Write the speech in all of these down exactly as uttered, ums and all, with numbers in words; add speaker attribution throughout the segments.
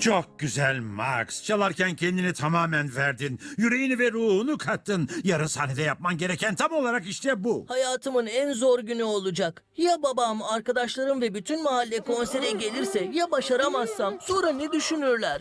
Speaker 1: Çok güzel Max. Çalarken kendini tamamen verdin. Yüreğini ve ruhunu kattın. Yarın sahnede yapman gereken tam olarak işte bu.
Speaker 2: Hayatımın en zor günü olacak. Ya babam, arkadaşlarım ve bütün mahalle konsere gelirse, ya başaramazsam sonra ne düşünürler?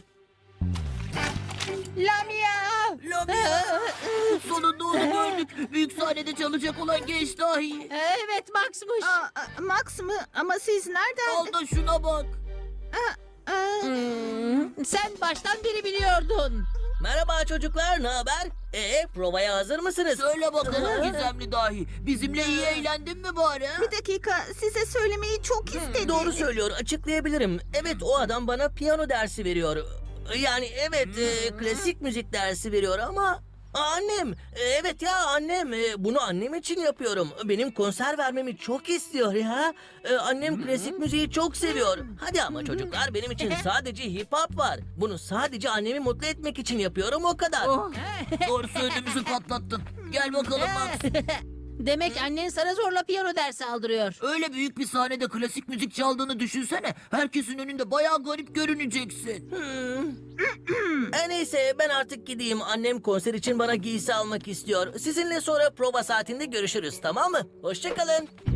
Speaker 3: Lamia!
Speaker 4: Lamia! Sonunda onu gördük. Büyük sahnede çalacak olan genç dahi.
Speaker 3: Evet Max'mış.
Speaker 5: Aa, Max mı? Ama siz nereden?
Speaker 4: Al da şuna bak.
Speaker 5: Aa,
Speaker 3: Hmm, sen baştan beri biliyordun.
Speaker 2: Merhaba çocuklar, ne haber? Ee, provaya hazır mısınız?
Speaker 4: Söyle bakalım gizemli dahi. Bizimle iyi eğlendin mi bari? ha?
Speaker 5: bir dakika, size söylemeyi çok istedim.
Speaker 2: Doğru söylüyor, açıklayabilirim. Evet, o adam bana piyano dersi veriyor. Yani evet, e, klasik müzik dersi veriyor ama... Annem, e, evet ya annem, e, bunu annem için yapıyorum. Benim konser vermemi çok istiyor ya. E, annem klasik müziği çok seviyor. Hadi ama çocuklar, benim için sadece hip hop var. Bunu sadece annemi mutlu etmek için yapıyorum, o kadar.
Speaker 4: Oh, doğru söylediğimizi patlattın. Gel bakalım Max.
Speaker 3: Demek annen sana zorla piyano dersi aldırıyor.
Speaker 4: Öyle büyük bir sahnede klasik müzik çaldığını düşünsene. Herkesin önünde bayağı garip görüneceksin.
Speaker 2: E, neyse, ben artık gideyim. Annem konser için bana giysi almak istiyor. Sizinle sonra prova saatinde görüşürüz, tamam mı? Hoşçakalın.